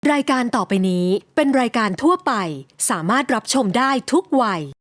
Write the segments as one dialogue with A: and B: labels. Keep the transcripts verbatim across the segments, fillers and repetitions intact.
A: รายการต่อไปนี้เป็นรายการทั่วไปสามารถรับชมได้ทุกวัย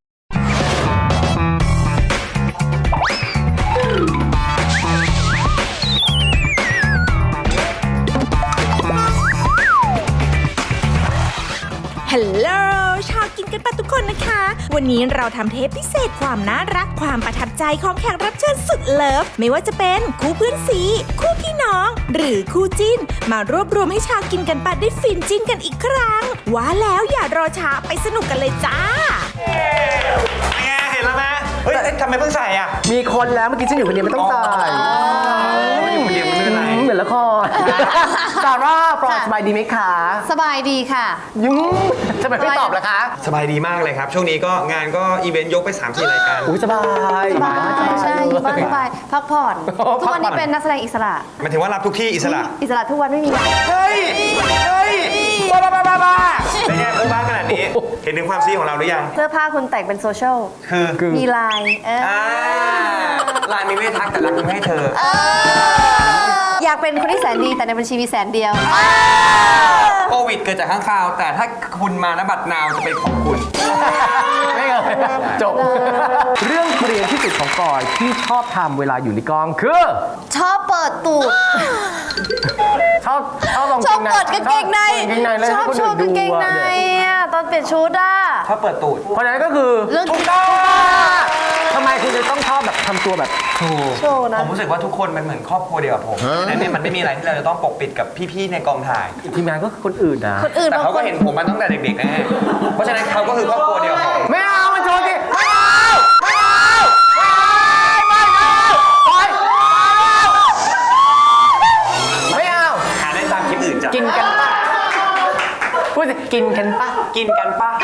B: ฮัลโหลชาวกินกันปะทุกคนนะคะ วันนี้เราทำเทปพิเศษความน่ารักความประทับใจของแขกรับเชิญสุดเลิฟไม่ว่าจะเป็นคู่เพื่อนสีคู่พี่น้องหรือคู่จิ้นมารวบรวมให้ชาวกินกันปะได้ฟินจิ้นกันอีกครั้งว่าแล้วอย่ารอช้าไปสนุกกันเลยจ้า
C: ไงเห็นแล้วไหมเฮ้ยทำไมเพิ่งใส่อ่ะ
D: มีคนแล้วเมื่อกี้ฉันอยู่คนเดียวไม่ต้องใส่
C: อยู่คนเดียวไม่เป็นไร
D: เหมือนละครซาร่าปลอดสบายดีไหมคะ
E: สบายดีค่ะ
D: ยุ่งทำไมไม่ตอบล่ะคะ
C: สบายดีมากเลยครับช่วงนี้ก็งานก็อีเวนต์ยกไป สามสี่ รายการ
D: อุ้ยสบาย
E: สบายใช่อยู่บ้านสบายพักผ่อนทุกวันนี้เป็นนักแสดงอิสระ
C: หมายถึงว่ารับทุกที่อิสระ
E: อิสระทุกวันไม่มี
C: เฮ้ยเฮ้ยบ้าบ้าบ้าบ้าเป็นไงบ้าขนาดนี้เห็นถึงความซีของเราหรือยัง
E: เสื้อผ้าคุณแต่งเป็นโซเชียล
C: คือ
E: มีลาย
C: ลายมีไม่ทักแต่รักมีให้เธอ
E: อยากเป็นคนที่แสนดีแต่ในบัญชีมีแสนเดียว
C: โควิดเกิดจากข้างคาวแต่ถ้าคุณมาณบัตรนาวจะเป็นของคุณ
D: ไม่เลยจบเรื่องเกรียนที่สุดของกอยที่ชอบทำเวลาอยู่ในกองคือ
E: ชอบเปิดตูด
D: ชอบชอบลอง
E: ชอบเปิดกางเกงในชอบโชว์กางเกงในตอนเปลี่ยนชุดอ่ะ
C: ชอบเปิดตูด
D: เพราะฉะนั้นก็คือ
E: เรื่อง
D: ถูกต้องทำไมคุณจะต้องชอบแบบทำตัวแบบโชว์
E: โชว์นะ
C: ผมรู้สึกว่าทุกคนมันเหมือนครอบครัวเดียวกับผมดังนั้นมันไม่มีอะไรที่เราจะต้องปกปิดกับพี่ๆในกองถ่าย
D: ทีมงานก็คือคนอื่นนะ
E: คนอื่น
C: แต่เขาก็เห็นผมมาตั้งแต่เด็กๆนะเพราะฉะนั้นเขาก็คือครอบครัวเดียวกับผม
D: ไม่เอามันโชว์ดิไม่เอาไม่เอาไม่เอาไม่เอา
C: หาได้ตามคลิปอื่นจ้ะ
D: กินกันปะพูดสิกินกันปะ
C: กินกันปะ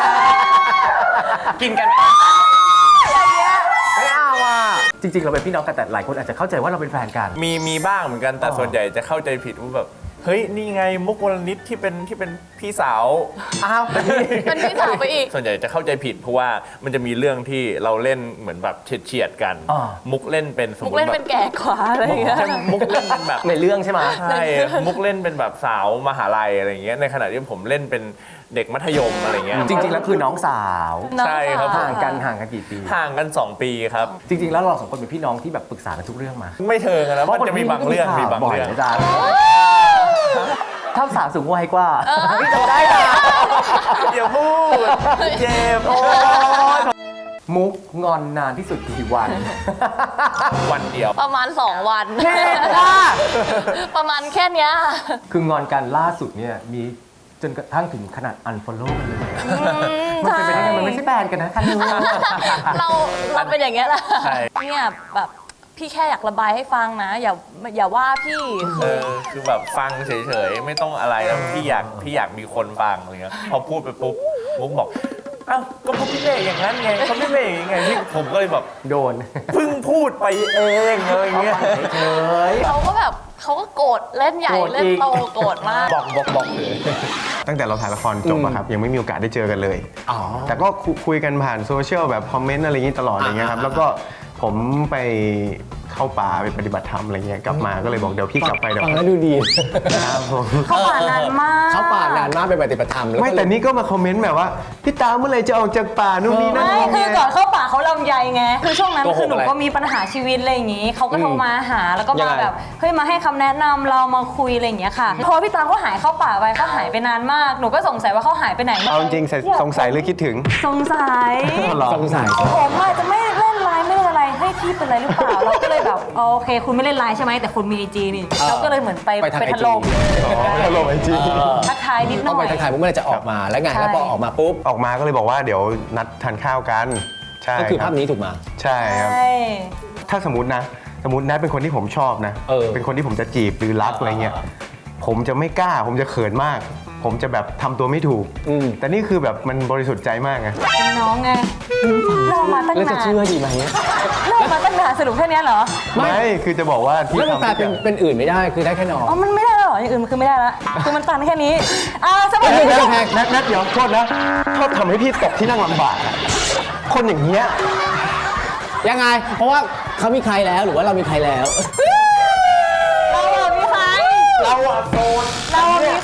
C: กินกันปะ
D: ไม่เอาอ่ะจริงๆเราเป็นพี่น้องกันแต่หลายคนอาจจะเข้าใจว่าเราเป็นแฟนกัน
F: มีมีบ้างเหมือนกันแต่ส่วนใหญ่จะเข้าใจผิดว่าแบบเฮ้ยนี่ไงมุกวลนิดที่เป็นที่เป็นพี่สาว
D: อ้าว
E: เป็นพี่สาวไปอีก
F: ส่วนใหญ่จะเข้าใจผิดเพราะว่ามันจะมีเรื่องที่เราเล่นเหมือนแบบเฉียดเฉียดกันมุกเล่นเป็นสมมติ
E: มุกเล่นเป็นแก่กว่าอะไรอย่างเงี้ย
F: มุกเล่นเป็นแบบ
D: ในเรื่องใช่ไหม
F: ใช่มุกเล่นเป็นแบบสาวมหาลัยอะไรอย่างเงี้ยในขณะที่ผมเล่นเป็นเด็กมัธยมอะไรเงี้ย
D: จริงๆแล้วคือน้องสาว
F: ใช่ครับ
D: ห่างกันห่างกันกี่ปี
F: ห่างกันสองปีครับ
D: จริงๆแล้วเราสองคนเป็นพี่น้องที่แบบปรึกษากันทุกเรื่องมา
F: ไม่เทิงนะมันจะมีบางเรื่องมีบางเรื่อง
D: อาจารย์ถ้าสาวสูงวัยกว่าพี่จำได้นะ
F: อย่าพูดเจ็บ
D: มุกงอนนานที่สุดกี่วัน
F: วันเดียว
E: ประมาณสองวัน
D: เท่จ้า
E: ประมาณแค่เนี้ย
D: คืองอนกันล่าสุดเนี่ยมีจนกระทั่งถึงขนาด unfollow กันเลยมันเป็นไปได้ไงมันไม่ใช่แบนกันนะคันนู้น
E: เราเราเป็นอย่างเงี้ยแหละเนี่ยแบบพี่แค่อยากระบายให้ฟังนะอย่าอย่าว่าพี่
F: เออคือแบบฟังเฉยๆไม่ต้องอะไรแล้วพี่อยากพี่อยากมีคนฟังอะไรเงี้ยพอพูดไปปุ๊บมุกบอกอ้าวก็พวกพี่เมย์อย่างนั้นไงเขาพี่เมย์อย่างไงที่ผมก็เลยแบบ
D: โดน
F: เพิ่งพูดไปเองอะไรเงี้ย
D: เฉย
E: เขาก็แบบเขาก็โกรธเล่นใหญ่เล่นโตโกรธมาก
F: บอกบอกบอกเลย
G: ตั้งแต่เราถ่ายละครจบอะครับยังไม่มีโอกาสได้เจอกันเลยแต่ก็คุยกันผ่านโซเชียลแบบคอมเมนต์อะไรอย่างนี้ตลอดอย่างเงี้ยครับแล้วก็ผมไปเข้าป่าไปปฏิบัติธรรมอะไรเงี้ยกลับมาก็เลยบอกเดี๋ยวพี่กลับไปเดี๋ยว
D: ฟังแล้วดูดี
G: ครับผม
E: เข้าป่านานมาก
D: เข้าป่านานมากไปปฏิบัติธรรม
G: ไม่แต่นี่ก็มาคอมเมนต์แบบว่าพี่ตาเมื่อไรจะออกจากป่านู่นนี่นั่น
E: ไม่คือก่อนเข้าป่าเขาลำใยไงคือช่วงนั้นคือหนูก็มีปัญหาชีวิตอะไรอย่างงี้เขาก็โทรมาหาแล้วก็มาแบบเฮ้ยมาให้คำแนะนำเรามาคุยอะไรอย่างเงี้ยค่ะพอพี่ตาเขาหายเข้าป่าไปเขาหายไปนานมากหนูก็สงสัยว่าเขาหายไปไหน
G: เอาจริงสงสัยหรือคิดถึง
E: สงสัย
D: สงสัย
E: ผมอาจจะไม่เล่นไลน์ไม่เล่นอะไรให้พี่เป็นอะไรหรือเปล่าเราก็เลยแบบโอเคคุณไม่เล่นไลน์ใช่ไหมแต่คุณมีไอจีนี่เราก็เลยเหมือนไปไปถล่ม
G: ถล่มไอจี
E: ทักทายนิดหน่อย
D: ไปทักทายปุ๊บเมื่อไรจะออกมาแล้วไงแล้วพอออกมาปุ๊บ
G: ออกมาก็เลยบอกว่าเดี๋ยวนัดทานข้าวกันใช่
D: ก็คือภาพนี้ถูกมา
G: ใช่ครับถ้าสมมตินะสมมตินัดเป็นคนที่ผมชอบนะเป็นคนที่ผมจะจีบหรือรักอะไรเงี้ยผมจะไม่กล้าผมจะเขินมากผมจะแบบทำตัวไม่ถูกแต่นี่คือแบบมันบริสุทธิ์ใจมากไง
E: เป็นน้องไงเรามาตั้งนาน
D: แล้วจะเชื่อดีไหม
E: เรามาตั้งนานสรุปแค่นี้เหรอ
G: ไม่คือจะบอกว่า
D: ที่ทำเป็นเป็นอื่นไม่ได้คือได้แค่น้อง
E: อ๋อมันไม่ได้หรออย่างอื่นมันคือไม่ได้ละคือมันตันแค่นี้อ่าสมัย
G: นี้แพกนัดนัดเดี๋ยวโทษนะชอบทำให้พี่ตกที่นั่งลำบากคนอย่างเงี้ย
D: ยังไงเพราะว่าเขามีใครแล้วหรือว่าเรามีใครแล้ว
E: เรามีใคร
G: เราอะโสด
E: เรามีใคร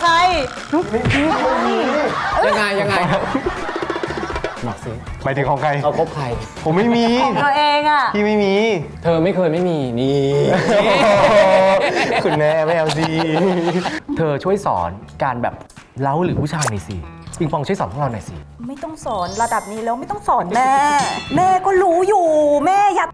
H: ยังไงยังไงบอกสิ
G: หมายถึงของใคร
H: เราคบใคร
G: ผมไม่มี
E: ตัวเองอ่ะ
G: พี่ไม่มี
H: เธอไม่เคยไม่มีนี่
G: คุณแม่ไม่เอาสิ
D: เธอช่วยสอนการแบบเล้าหรือผู้ชายหน่อยสิปิงปองช่วยสอนพวกเราหน่อยสิ
B: ไม่ต้องสอนระดับนี้แล้วไม่ต้องสอนแม่ แม่ก็รู้อยู่แม่อย่า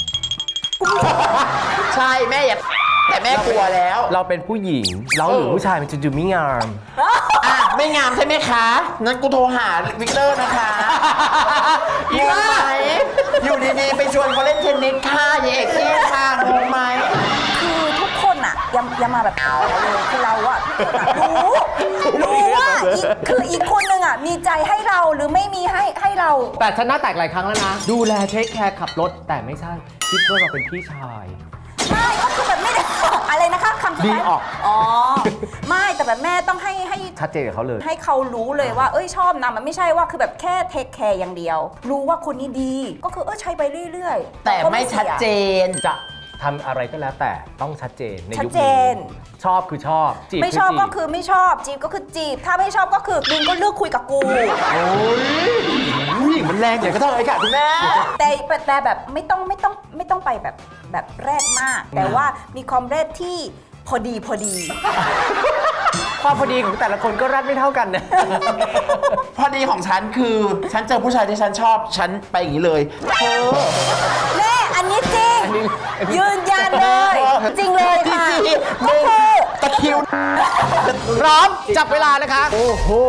I: ใช่แม่อย่าแต่แม่กลัวแล้ว
D: เราเป็นผู้หญิงเล้าหรือผู้ชายมันจะดูไม่งาม
I: อ่ะ ไม่งามใช่ไหมคะงั้นกูโทรหาวิกเตอร์นะคะงงไหมอยู่ดีๆ ไปชวนเขาเล่นเทนนิสค่ะยายเอกเท่ค่ะงงไหม
B: คือทุกคนอะอย่าอย่ามาแบบเลยคือเราอะทุกคนอะรู้รู้ว่าอีกคืออีกคนนึงอะมีใจให้เราหรือไม่มีให้ให้เรา
D: แต่ฉันหน้าแตกหลายครั้งแล้วนะ ดูแลเทคแคร์ขับรถแต่ไม่ใช่คิดว่าเราเป็นพี่ชาย
B: ไม่ก็คือแบบไม่ได้ อะไรนะคะคำสุดท้าย
D: ดีออก
B: อ๋อไม่แต่แบบแม่ต้องให้ให้
D: ชัดเจนกับเขาเลย
B: ให้เขารู้เลยว่าเอ้ยชอบนะมันไม่ใช่ว่าคือแบบแค่เทคแคร์อย่างเดียว รู้ว่าคนนี้ดีก็คือเออใช้ไปเรื่อยๆ
I: แต่ไม่ชัดเจน
D: จะทำอะไรก็แล้วแต่ต้องชัดเจนใน
B: ชัด
D: ยุค
B: เจ
D: นี้
B: น
D: ชอบคือชอบจีบ
B: ไม่ชอบ
D: จี
B: ก็คือไม่ชอบจีบก็คือจีบ ถ้าไม่ชอบก็คือมึงก็เลือกคุยกับกู
I: ผู้หญิงมันแรงอย่างก็เท่าไอ้ค่ะคุณแม่
B: แต่แต่แบบไม่ต้องไม่ต้องไม่ต้องไปแบบแบบแรกมาก แต่ว่ามีความแรกที่พอดีพอดี
D: ความพอดีของแต่ละคนก็รัดไม่เท่ากันนะ
I: พอดีของฉันคือ ฉันเจอผู้ชายที่ฉันชอบ ฉันไปอย่างนี้เลยเธอ
B: แม่อันนี้จริง ยืนยันเลย จริงเลยค่ะ
I: จริงๆ
B: ก็คือ
I: ตะคริว
H: พร้อมจับเวลานะคะ
G: โอ้โห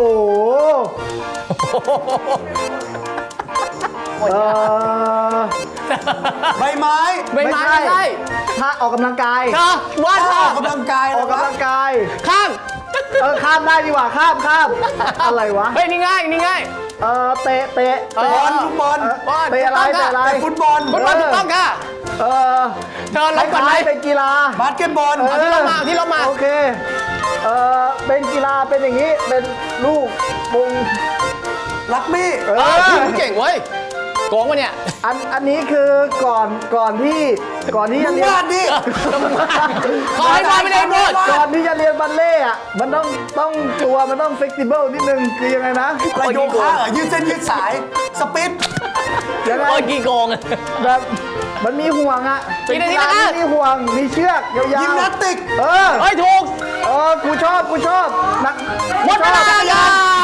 G: เอ่อใบไม้
H: ใบไม้ไม่ใช่
G: ถ้าออกกำลังกาย
H: เธอวาด
G: ถ้า
H: ค่ะ
G: ออกกำลังกายออกกำลังกาย
H: ข้าม
G: เออข้ามได้ดีกว่าข้ามข้ามอะไรวะ
H: เฮ้ยนี่ง่ายนี่ง่าย
G: เออเตะเตะ
H: เออ
G: ฟุตบอล
H: บอล
G: เตะอะไร
H: ถูกต้อง
G: เตะอะไร
H: ค่ะ
G: ฟุตบอล
H: ฟุตบอลถูกต้องค่ะ
G: เออ
H: เธอลบก่อนไหม
G: คล้ายๆเป็นกีฬาบาสเกตบอล
H: เอาที่เรามาเอาที่เรามา
G: โอเคเออเป็นกีฬาเป็นอย่างนี้เป็นลูกมงลักบี้เอ
H: เออ
G: อ
H: พี่เก่งเว้ยโกงวะเนี่ย
G: อันอันนี้คือก่อนก่อนที่ก่อนที่จะเรียนวาดดิ
H: ขอให้วาดไม่ได้หมด
G: ก่อนที่จะเรียนบัลเล่ต์อะมันต้องต้องตัวมันต้องเฟกซิเบิลนิดนึงคือยังไงนะ
H: ประโยคะเหรอ
G: ยืดเส้นยืดสายสปิดยังไง
H: โอ้ยกี่โกงอะ
G: แบบมันมีห่วงอะเป็นกีฬาที่มีห่วงมีเชือกยาวๆยิมนาสติกเออ
H: เฮ้ยถูก
G: เออกูชอบกูชอบนัก
H: หมดเวลา
G: ชอบ
H: ค่ะ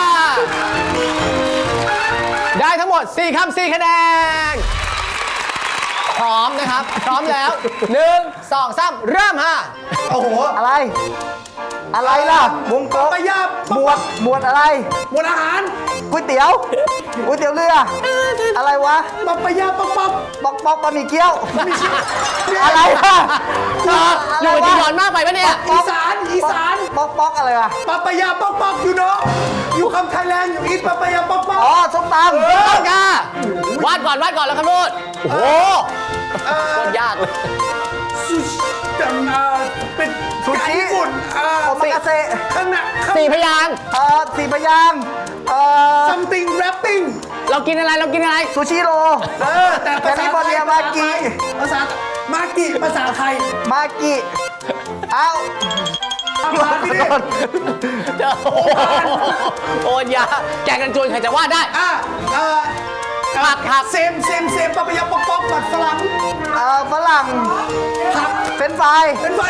H: ได้ทั้งหมดสี่คำสี่คะแนน พร้อมนะครับ พร้อมแล้วหนึ่งสองสามเริ่มฮะ
G: โอ้โหอะไร อะไรล่ะวงกลมไปยับหมวดหมวดอะไรหมวดอาหารก๋วยเตี๋ยวก๋วยเตี๋ยวเรืออะไรวะปับปะยาปับปับปับปับบะหมี่เกี๊ยวอะไรล่ะ
H: เธออยู่กับจียอนมากไปปะเนี่ย
G: อีสานอีสานป๊อกป๊อกอะไรวะปับปะยาป๊อกป๊อกอยู่เนาะอยู่คำไทยแลนด์อยู่อีทปับปะยาป๊อกป๊อกอ๋อส้มตำ
H: ถูกต้องค่ะวาดก่อนวาดก่อนแล้วครับลูกโอ้โหโคตรยากเลย
G: จังอ่าเป็นซูชิญี่ปุ่นอ่าโอมากาเซข้างหน้า
H: สี่พยางค์
G: เอ่อสี่พยางค์เอ่อ something wrapping
H: เรากินอะไรเรากินอะไร
G: ซูชิโรเออแต่ภาษาไทยมากิภาษามากิภาษาไทยมากิเอ้ามากิ
H: เจอโอ้โหโอ้ยยาแกงกันจวนใครจะวาดได้
G: อ่ะเอ่อ
H: ผักผัก
G: เซมเซมเซมปะปะยาป๊อกป๊อกผัดฝรั่งเอ่อฝรั่งผักเป็นไฟเป็นไฟ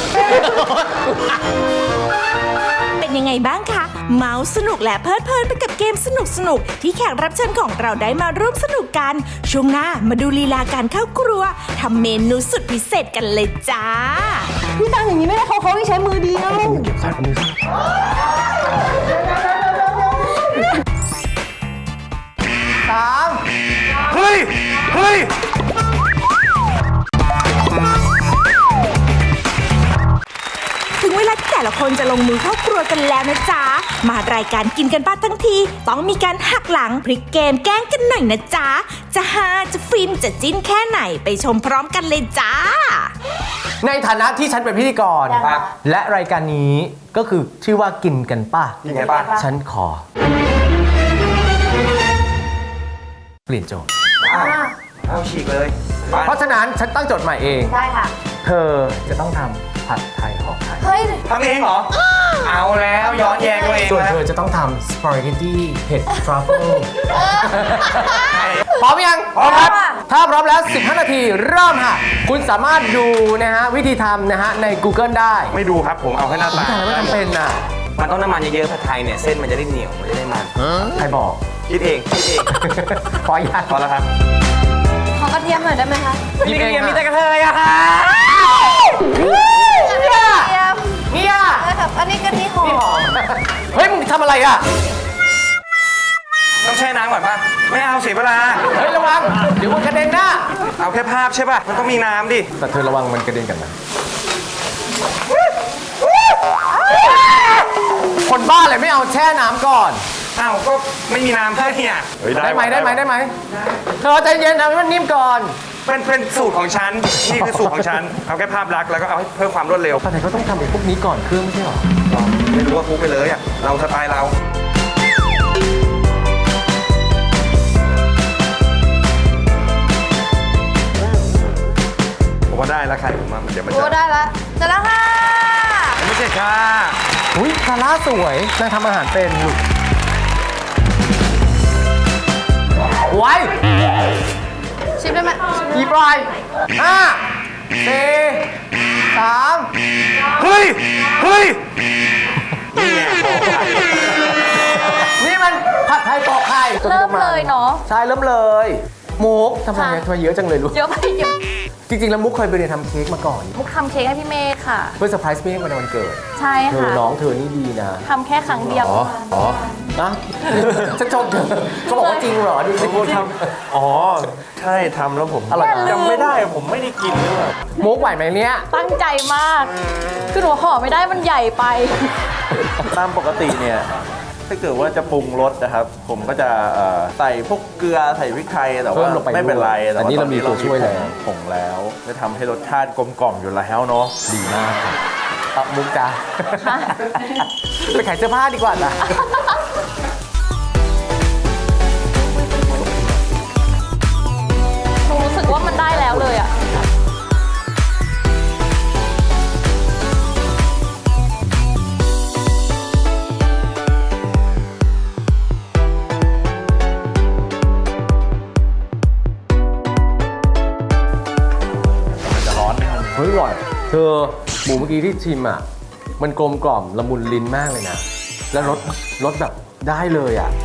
B: เป็นยังไงบ้างคะ เมาส์สนุกและเพลิดเพลินไปกับเกมสนุกสนุกๆที่แขกรับเชิญของเราได้มาร่วมสนุกกัน ช่วงหน้ามาดูลีลาการเข้าครัวทำเมนูสุดพิเศษกันเลยจ้า
E: พี่ตังอย่างนี้ไม่ได้เขาเขาที่ใช้มือเดียว
G: เฮ้ยเฮ้ย
B: ถึงเวลาที่แต่ละคนจะลงมือเข้าครัวกันแล้วนะจ๊ะ มารายการกินกันบ้านทั้งที ต้องมีการหักหลังพลิกเกมแกล้งกันหน่อยนะจ๊ะ จะฮาจะฟินจะจิ้นแค่ไหนไปชมพร้อมกันเลยจ้า
D: ในฐานะที่ฉันเป็นพิธีกร และรายการนี้ก็คือชื่อว่ากินกันป่ะ
C: กินกันป่ะ
D: ฉันขอ เปลี่ยนโจทย์
C: เอาฉีกเลย
D: เพราะฉะนั้นฉันตั้งโจทย์ใหม่เอง
E: ได้ค่ะ
D: เธอจะต้องทำผัดไทยห่อไข่
E: เฮ้ย
C: ทำเองเหรอเอาแล้วย้อนแย้งตัวเอง
H: ส่วน
C: แล้ว
H: เธอจะต้องทำสปาเกตตี้เผ็ดทรัฟเฟิลพร้อมยัง
C: พร้อมครับ
H: ถ้าพร้อมแล้ว สิบห้า นาทีเริ่มค่ะ คุณสามารถดูนะฮะวิธีทำนะฮะใน Google ได้
C: ไม่ดูครับผมเอาแค่หน้าตา
H: แต่ไม่ทำเป็นน่ะ
J: มันต้องน้ำมันเยอะๆผัดไทยเนี่ยเส้นมันจะได้เหนียวมันจะได้มัน
H: ใครบอก
C: คิดเองคิดเอง
H: ขออนุญาต
C: พอแล้วครับ
E: ขอกระเทียมหน่อยได้ไหมคะ
H: หยิบเอง
C: มี
H: มี
C: แต่
H: แต่
C: กระเทยอะค่ะ
H: เนี่ย
E: อันนี้กะทิหอม
H: เฮ้ยมึงทำอะไรอ่ะ
C: ต้องแช่น้ำก่อนป่ะไม่เอาเสียเวลา
H: เฮ้ยระวังเดี๋ยวมันกระเด็นนะ
C: เอาแค่ภาพใช่ป่ะมันต้องมีน้ำดิ
H: แต่เธอระวังมันกระเด็นกันนะคนบ้าเลยไม่เอาแช่น้ำก่อน
C: อ้าวก็ไม่มีน้ำแค่เนี่ยเฮ้ย
H: ได้ไหมได้ไหมได้ไหมเธอใจเย็นทำให้มันนิ่มก่อน
C: เป็นเป็นสูตรของฉันนี่คือสูตรของฉันเอาแค่ภาพลักษณ์แล้วก็เอาให้เพิ่มความรวดเร็ว
H: ตอนไหนเขาต้องทำไอ้พวกนี้ก่อนเครื่องไม่ใช่หรอ
C: ไม่รู้ว่าคุกไปเลยอ่ะเราสไตล์เราผมว่าได้แล้วใครผมว่าเดี๋ยวมันจะ
E: โอ้ได้ละเสร็จแล้วค่ะ
C: ไม่ใช่ค่ะ
H: อุ้ยซาร่าสวยนางทำอาหารเป็นลูกไว้
E: ชิมได้ไหม
H: อีปลายห้าสี่สาม
C: เฮ้ยเฮ้ย
H: นี่มันผัดไทยปอกไข่
E: เริ่มเลยเนาะ
H: ใช่เริ่มเลยมุกทำไมทำไมเยอะจังเลยลูก
E: เยอะไปเยอะ
H: จริงๆแล้วมุกเคยไปเรียนทำเค้กมาก่อน
E: มุกทำเค้กให้พี่เมฆค่ะ
H: เพื่อเซอร์ไพรส์เมฆในวันเกิด
E: ใช่
H: เธอ
E: ค่ะ
H: น้องเธอนี่ดีนะ
E: ทำแค่ครั้งเดียว
H: อ๋อนะฉันชมเธอเขาบอกว่าจริงเหรอดูสิ
F: ทำอ๋อ ใช่ทำแล้วผม
H: อร่อยนะ
F: จำไม่ได้ผมไม่ได้กินด้วย
H: มุกไหวไหมเนี่ย
E: ตั้งใจมาก คือหนูห่อไม่ได้มันใหญ่ไป
F: ตามปกติเนี่ย ถ้าเกิดว่าจะปรุงรสนะครับ ผมก็จะเอ่อใส่พวกเกลือใส่พริกไทยแต่
H: เพิ่
F: ว่าม
H: ลงไป
F: ไม่เป็นไร
H: ด้วย
F: แต่
H: อันนี้เรามีตัวช่วยแล้ว
F: ผงแล้วจะทำให้รสชาติกลมกล่อมอยู่แล้วเนาะ
H: ดีมากครับเอามุกจ้าไปขายเสื้อผ้าดีกว่าจ้ะ
E: หนูรู้สึกว่ามันได้แล้วเลยอ่ะ
H: เฮ้ยอร่อยเธอหมูเมื่อกี้ที่ชิมอ่ะ มันกลมกล่อมละมุนลิ้นมากเลยนะ แล้วรสรสแบบได้เลยอ่ะ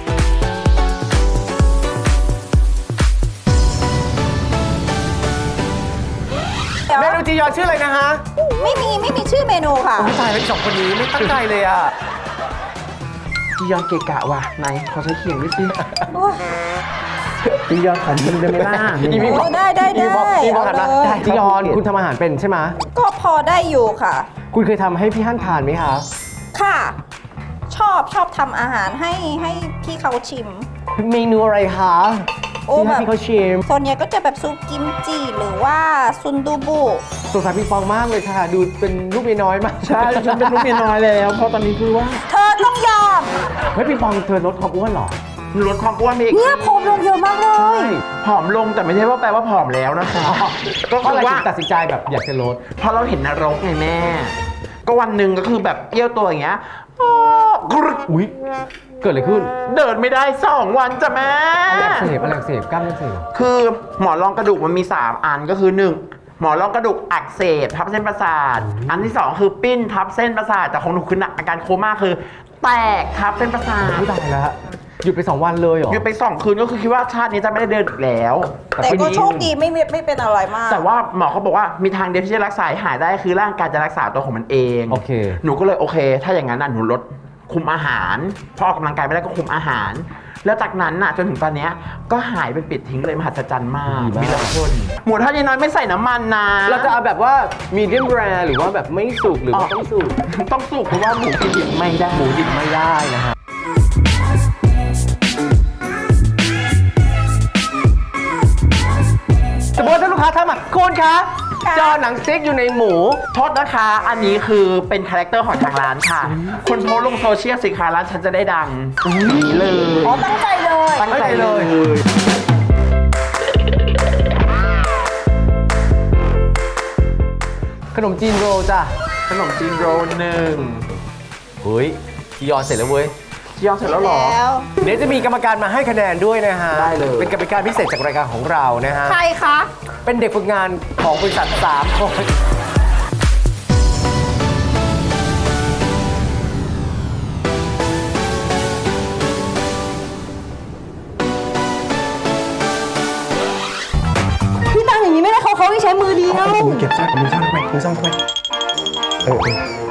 H: เมนูจียอนชื่ออะไรนะฮะ
B: ไม่มีไม่มีชื่อเมนูค่ะ
H: โอ้ยตายแล้วสองคนนี้ไม่ตั้งใจเลยอ่ะ
I: จียอนเกะกะว่ะไหนขอใช้เขียงด้วยสิจียอนขอยิงได้ไหมล่ะ
H: อีพี่บอก
B: ได้ได้ได้
H: อีบอกอีบอกหันมา
B: เอาเลย
H: จียอนคุณทำอาหารเป็นใช่ไหม
B: ก็พอได้อยู่ค่ะ
H: คุณเคยทำให้พี่ฮั่นทานไหมคะ
B: ค่ะ ชอบชอบทำอาหารให้ให้พี่เขาชิม
H: เมนูอะไรคะ
B: โอ้
H: ที่ให้
B: แบบ
H: พี่เขาชิม
B: ส่วนใหญ่ก็จะแบบซุปกิมจิหรือว่าซุนดูบุ
H: สงสารพี่ฟองมากเลยค่ะ ดูเป็นลูกเมียน้อยมาก
I: ใช่ฉันเป็นลูกเมียน้อยแล้วเพราะตอนนี้คือว่า
B: เธอต้องยอม
H: เฮ้ยพี่ฟองเธอลดความอ้วนเหรอ
I: ลดความอ้วนไปอีก
B: เนี่ยผอมลงเยอะมากเล
H: ใช่
B: ย
I: ผอมลงแต่ไม่ใช่ว่าแปลว่าผอมแล้วนะคะ ก็
H: เพราะ
I: คื
H: อะไร
I: อว่า
H: ถึงตัดสินใจแบบอยากจะลด
I: เพราะเราเห็นนรกไงแม่ ก็วันหนึ่งก็คือแบบเอี้ยวตัวอย่างเงี้ยอ้อกรึ๊ก
H: อุ้ยเกิดอะไรขึ้น
I: เดินไม่ได้สองวันจ้ะแม่
H: อะไรอักเสบอะไรอักเสบกล้ามเนื้ออักเสบ
I: คือหมอนรองกระดูกมันมี สาม อันก็คือหนึ่งหมอนรองกระดูกอักเสบทับเส้นประสาท อันที่สองคือปิ้นทับเส้นประสาทแต่ของหนูคือหนักอาการโคม่าคือ แตกทับเส้นประสาท
H: ไม่ตายแล้วหยุดไปสองวันเลยเหรอ
I: หยุดไปสองคืนก็คือคิดว่าชาตินี้จะไม่ได้เดินอีกแล้ว
B: แต่ก็โชคดีไม่ไม่ไม่เป็นอะไรมาก
I: แต่ว่าหมอเขาบอกว่ามีทางเดียวที่จะรักษาให้หายได้คือร่างกายจะรักษาตัวของมันเอง
H: โอเค
I: หนูก็เลยโอเค ถ้าอย่างนั้นน่ะหนูลดคุมอาหารพอออกกำลังกายไม่ได้ก็คุมอาหาร แล้วจากนั้นน่ะจนถึงตอนเนี้ยก็หายไปปิดทิ้งเลยมหัศจรรย์มาก
H: ดีมาก
I: มีหลายคนหมูทอดยายน้อยไม่ใส่น้ำมันนะ
H: เราจะเอาแบบว่ามีเดียมแรร์หรือว่าแบบไม่สุกหรือว่าต้องสุก
I: ต้องสุกเพราะว่าหมูกินดิบไม่ได้
H: หมูดิบไม่ได้นะฮะสมมติถ้าลูกค้าทำอ่ะคุณคะจอหนังสติ๊กอยู่ในหมู
I: โทษนะคะ อันนี้คือเป็นคาแรคเตอร์ของทางร้านค่ะคนโพสต์ลงโซเชียลสิคะร้านฉันจะได้ดังนี่เลย
B: อ๋อ ตั้งใจเลย
I: ตั้งใจเลย
H: ขนมจีนโรลจ้ะ
I: ขนมจีนโรลหนึ่ง
H: โหฮ้ยจียอนเสร็จแล้วเว้ย
I: จียอนเสร็จแล้วเหรอ
H: เดี๋ยวจะมีกรรมการมาให้คะแนนด้วยนะฮะ
I: ได้เลย
H: เป็นกรรมการพิเศษจากรายการของเรานะฮะ
E: ใครคะ
H: เป็นเด็กฝึกงานของบริษัทสามคน
E: พี่ตังอย่างนี้ไม่ได้เขาเขาให้ใช้มือเดียว
G: มือเก็บซ่อนมือซ่อนทำไมมือซ่อนทำไมเออ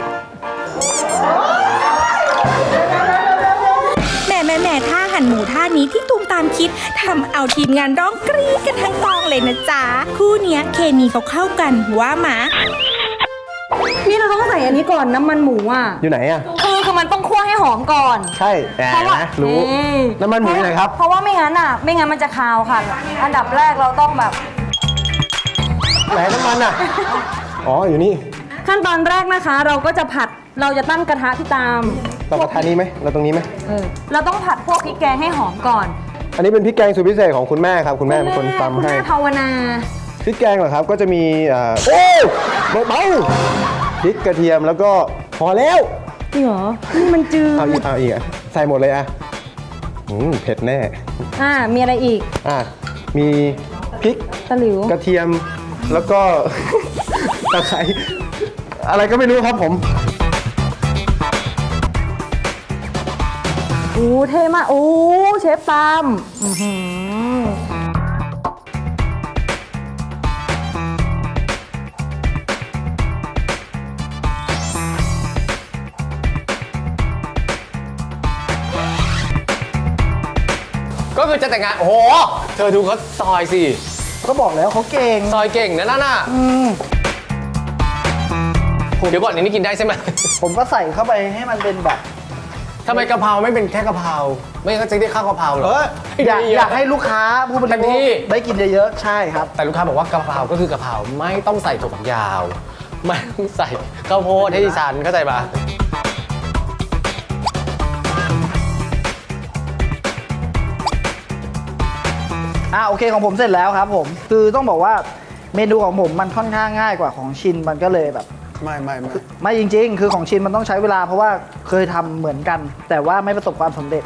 B: แหม่แหม่แหม่ท่าหันหมูท่านี้ที่ตูมตามคิดทำเอาทีมงานร้องกรี๊ดกันทั้งกองเลยนะจ๊ะ คู่เนี้ยเคมีเขาเข้ากันว่าหมา
E: นี่เราต้องใส่อันนี้ก่อนน้ำมันหมูอ่ะ
G: อยู่ไหนอ่ะ
E: คือคือมันต้องคั่วให้หอมก่อน
G: ใช่แต่
E: เพราะว่า
G: นะรู้
E: อืม
G: น้ำมันหมูอยู่ไหนครับ
E: เพราะว่าไม่งั้นอ่ะ ไม่งั้นมันจะคาวค่ะ อันดับแรกเราต้องแบบ
G: ไหนน้ำมันอ่ะ อ๋อ อยู่นี่
E: ขั้นตอนแรกนะคะ เราก็จะผัดเราจะตั้งกระทะที่ตาม
G: เรากระทะนี้ไหมเราตรงนี้ไหม
E: เออเราต้องผัดพวกพริกแกงให้หอมก่อน
G: อันนี้เป็นพริกแกงสูตรพิเศษของคุณแม่ครับ คุณแม่เป็นคนตำ
E: คุณ
G: ให้
E: แม่ภาวนา
G: พริกแกงเหรอครับ ก็จะมีอ่าโอ้เบาๆพริกกระเทียมแล้วก็พอแล้ว
E: จริงเหรอ นี่มันจืด
G: เอาอีกเอาอีกอ่ะใส่หมดเลยอ่ะอืมเผ็ดแน่
E: อ่า มีอะไรอีก
G: อ่ะมีพริก
E: ตะหลิว
G: กระเทียมแล้วก็ ตะไคร้อะไรก็ไม่รู้ครับผม
E: โอ้เท่มาก โอ้เชฟตามอื้อหือ
H: ก็คือจะแต่งงาน โอ้โห เธอดูเขาซอยสิ
I: ก็บอกแล้วเขาเก่ง
H: ซอยเก่งนะนั่นน่ะเดี๋ยวก่อนอันนี้กินได้ใช่ไหม
I: ผมก็ใส่เข้าไปให้มันเป็นแบบ
H: ทำไมกะเพราไม่เป็นแค่กะเพราไม่งั้นก็จะได้ข้าวกะเพราเหร
I: เอ
H: อ
I: ออยากอยากให้ลูกค้าผู้บริ
H: เต็ม
I: โภ
H: ที่
I: คได้กินเยอะๆ ใช่ครับ
H: แต่ลูกค้าบอกว่ากะเพราก็คือกะเพราไม่ต้องใส่ถั่วฝักยาว ไม่ต้องใส่ข้าวโพดให้ดิฉันเข้าใจปะ
I: อ่าโอเคของผมเสร็จแล้วครับผม คือต้องบอกว่าเมนูของผมมันค่อนข้างง่ายกว่าของชินมันก็เลยแบบ
G: ไม่ไม่ไม่
I: ไม่จริงๆ คือของชินมันต้องใช้เวลาเพราะว่าเคยทำเหมือนกัน แต่ว่าไม่ประสบความสำเร็จ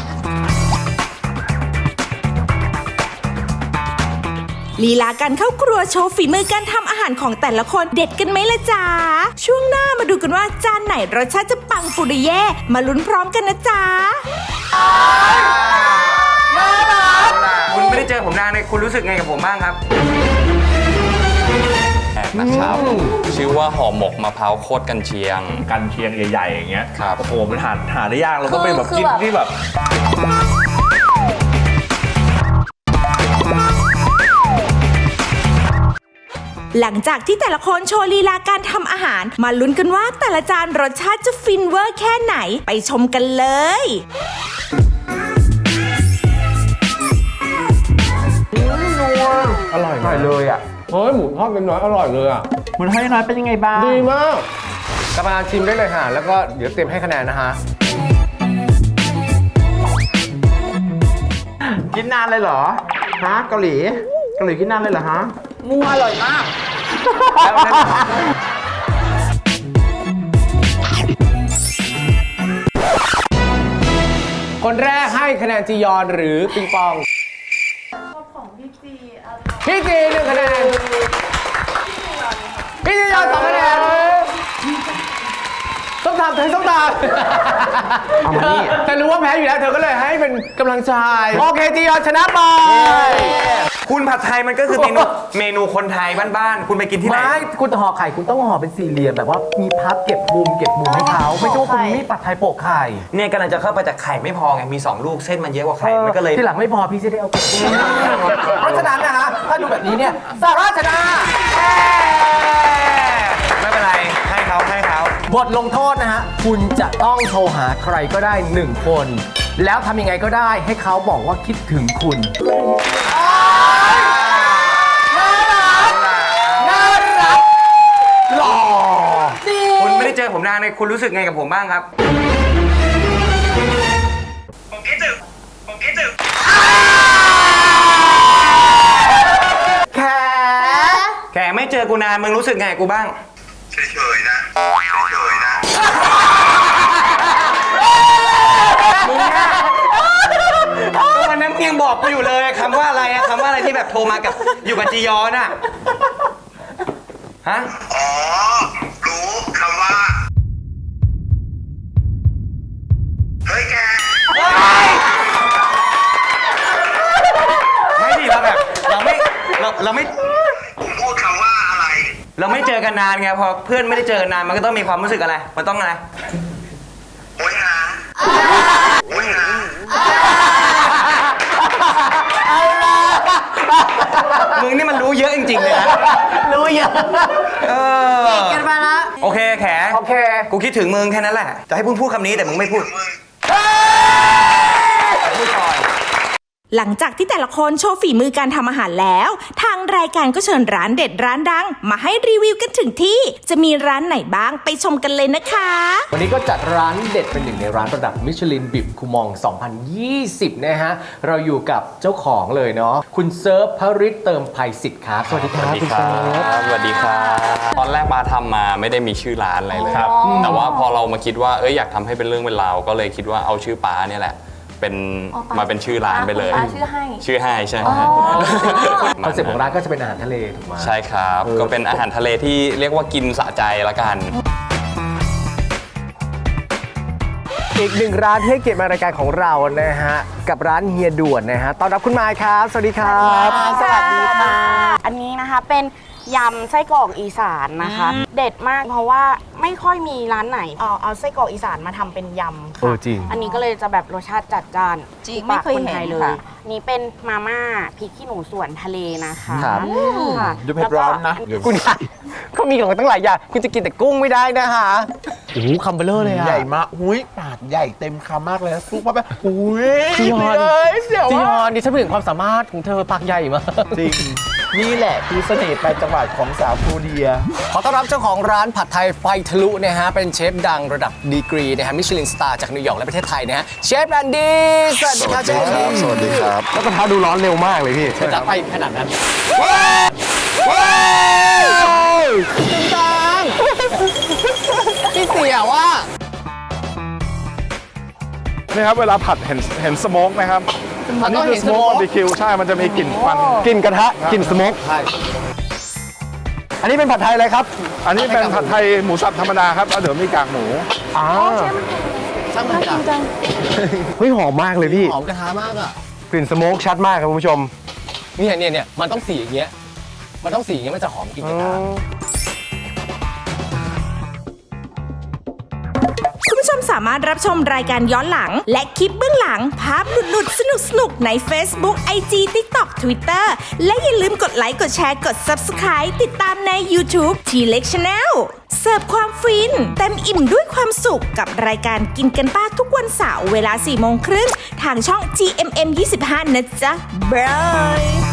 B: ลีลาการเข้าครัวโชว์ฝีมือการทำอาหารของแต่ละคนเด็ดกันไหมล่ะจ๊ะ ช่วงหน้ามาดูกันว่าจานไหนรสชาติจะปังปุริเย่มาลุ้นพร้อมกันนะจ๊ะ
J: คุณไม่ได้เจอผมนานเลยคุณรู้สึกไงกับผมบ้างครับ
K: นะครับชื่อว่าห่อหมกมะพร้าวโคตรกันเชียง
F: กันเชียงใหญ่ๆอย่างเงี้ย
K: ครับ
F: โอ้โหมันหาหาได้ยากเราต้องเป็นแบบ
E: คือ
F: กิน
E: แบบ
F: ที่แบบ
B: หลังจากที่แต่ละคนโชว์ลีลาการทำอาหาร มาลุ้นกันว่าแต่ละจานรสชาติจะฟินเวอร์แค่ไหนไปชมกันเลย
G: อร่อยอร่อยเลยอ่ะ
H: เฮ้ยหมูทอดเป็นน้อยอร่อยเลยอ่ะ
I: หมูทอดน้อยเป็นยังไงบ้าง
H: ดีมากกรรมการชิมได้เลยค่ะแล้วก็เดี๋ยวเตรียมให้คะแนนนะฮะ
I: กินนานเลยเหรอ ฮะ เกาหลี เกาหลีกินนานเลยเหรอฮะมูอร่อยมาก
H: คนแรกให้คะแนนจียอนหรือปิงปองพี่จีหนึ่งคะแนนพี่จียอนสองคะแนนต้องตามเธอต้องตาม
G: เอามานี่
H: เธอรู้ว่าแพ้อยู่แล้วเธอก็เลยให้เป็นกำลังใจโอเคจียอนชนะไป
J: คุณผัดไทยมันก็คือเมนูเมนูคนไทยบ้านๆคุณไปกินที่ไหน
H: ไม่คุณห่อไข่คุณต้องห่อเป็นสี่เหลี่ยมแบบว่ามีพับเก็บมุมเก็บมุมให้เขาไม่ใช่ว่าคุณมีปัดไทยโปะไข่
J: เนี่ยกำลังจะเข้าไปแต่ไข่ไม่พอไงมีสองลูกเส้นมันเยอะกว่าไข่มันก็เลย
H: ที่หลังไม่พอพี่จะได้เอาไปเพราะฉะนั้นนะฮะถ้าดูแบบนี้เนี่ยสาราชนะ
J: ไม่เป็นไรให้เขาให้เขา
H: บทลงโทษนะฮะ คุณจะต้องโทรหาใครก็ได้หนึ่งคน แล้วทำยังไงก็ได้ให้เขาบอกว่าคิดถึงคุณน่ารักหล่อ
J: คุณไม่ได้เจอผมนานเลยคุณรู้สึกไงกับผมบ้างครับผมคิดถึงผมคิดถึงแขแขไม่เจอกูนานมึงรู้สึกไงกับกูบ้างเฉยๆนะเฉยๆนะมึงอะก็วันนั้นมึงยังบอกกูอยู่เลยคำว่าอะไรอะคำว่าอะไรที่แบบโทรมากับอยู่กับจียอนอะฮะ
L: อ๋อ รู้คำว่า เฮ้ยแก
J: ไม่ดิเราแบบเราไม่เราเราไม่
L: พูดคำว่าอะไร
J: เราไม่เจอกันนานไงพอเพื่อนไม่ได้เจอกันนานมันก็ต้องมีความรู้สึกอะไร มันต้องอะไร
L: โอ้ยหาโอ้ยหา
J: มึงนี่มันรู้เยอะจริงๆเลยนะ
H: รู้เยอะ
J: เออ
H: กันมาละ
J: โอเคแข
H: โอเค
J: กูคิดถึงมึงแค่นั้นแหละ จะให้พูดพูดคำนี้แต่มึงไม่พูด พูดก่อน
B: หลังจากที่แต่ละคนโชว์ฝีมือการทำอาหารแล้ว ทางรายการก็เชิญร้านเด็ดร้านดัง มาให้รีวิวกันถึงที่ จะมีร้านไหนบ้างไปชมกันเลยนะคะ
H: วันนี้ก็จัดร้านเด็ดเป็นหนึ่งในร้านระดับมิชลินบิบคูมอง สองพันยี่สิบ นะฮะ เราอยู่กับเจ้าของเลยเนาะคุณเซิร์ฟพริตเติมภัยสิทธิ์ครับ สวัสดีครับคุณเซิร์ฟ
K: สวัสดีครับ ตอนแรกมาทำมาไม่ได้มีชื่อร้านอะไรเลย
E: ครับ
K: แต่ว่าพอเรามาคิดว่าเอ้ยอยากทำให้เป็นเรื่องเป็นราวก็เลยคิดว่าเอาชื่อป้าเนี่ยแหละ เป็น
E: อ๋อป๊า
K: มาเป็นชื่อร้านไปเลย
E: ป้าชื่อให้
K: ชื่อให้ใช่
E: อ๋อ
H: คอนเซ็ปต์ของร้านก็จะเป็นอาหารทะเลถูกไหม
K: ใช่ครับ ก็เป็นอาหารทะเลที่เรียกว่ากินสะใจละกัน
H: อีกหนึ่งร้านที่ให้เกียรติมารายการของเรานะฮะ กับร้านเฮียด่วนนะฮะต้อนรับคุณมายครับ สวัสดีครับ
M: สวัสดีค่ะ อันนี้นะคะเป็นยำไส้กรอกอีสานนะคะ เด็ดมากเพราะว่าไม่ค่อยมีร้านไหนเอาเอาไส้กรอกอีสานมาทำเป็นยำ
H: เอ
M: ค่ะ
H: อจริง
M: อันนี้ก็เลยจะแบบรสชาติจัดจ้าน
E: จริง
M: ถูก
E: ไม่
M: ปาก
E: เคย
M: คน
E: เห็น
M: ไทยเลย
E: ค่ะ
M: นี่เป็นมาม่าพริกขี้หนูสวนทะเลนะคะ
H: ครับ
M: ค่ะ
I: ดูเผ็ดร้อนนะ
H: คุณยายเขามีของตั้งหลายอย่างคุณจะกินแต่กุ้งไม่ได้นะคะโอ้โหคำเบลเลอร์เลยอะ
I: ใหญ่มากหุยปากใหญ่เต็มคำมากเลยนะซุปมาแบบหุย
H: จียอน
I: เลยเสียว
H: จีย
I: ว่า
H: อนดิฉันเห็นความสามารถของเธอปากใหญ่มาก
I: จริง นี่แหละคือเสน่ห์ไปจังหวัดของสาวโคเรีย
H: ขอต้อนรับเจ้าของร้านผัดไทยไฟทะลุนะฮะ เป็นเชฟดังระดับดีกรีนะฮะมิชลินสตาร์จากนิวยอร์กและประเทศไทยนะฮะเชฟแอนดี้สวัสดีครับเชฟ
G: สวัสดีครับ แล้วกระทะดูร้อนเร็วมากเลยพี่
H: จะไปขนาดนั้น จริงจังพี่เสียว่า
N: นี่ครับเวลาผัดเห็นเห็นสโมกไหมครับ
H: มั
N: อั
H: น
N: น
H: ต้
N: นี้
H: อง
N: คือ
H: เห็น
N: สโมก
H: smoke
N: บาร์บีคิวใช่ มันจะมีกลิ่นควัน
G: กลิ่นกระทะกลิ่นสโมก
H: ใช่
G: อันนี้เป็นผัดไทยอะไรครับ
N: อันนี้เป็นผัดไทยหมูสับธรรมดาครับแล้วเดี๋ยวมีกากหมู
G: อ่า
H: ช่างมันจ้ะ
G: เฮ้ยหอมมากเลยพี่
H: หอมกระทะมากอ่ะ
G: กลิ่นสโมกชัดมากครับคุณผู้ชม
H: เนี่ยเนี่ยเนี่ยมันต้องสีอย่างเงี้ย มันต้องสีอย่างเงี้ยมันจะหอมกลิ่นกระทะ
B: คุณผู้ชมสามารถรับชมรายการย้อนหลัง และคลิปเบื้องหลัง ภาพหลุดๆ สนุกๆ ใน Facebook ไอ จี TikTok Twitter และอย่าลืมกดไลค์ กดแชร์ กด Subscribe ติดตามใน YouTube T-Lex Channel เสิร์ฟความฟิน เต็มอิ่มด้วยความสุขกับรายการกินกันป้าทุกวันเสาร์เวลาสี่โมงครึ่งทางช่อง จี เอ็ม เอ็ม ยี่สิบห้า นะจ๊ะบาย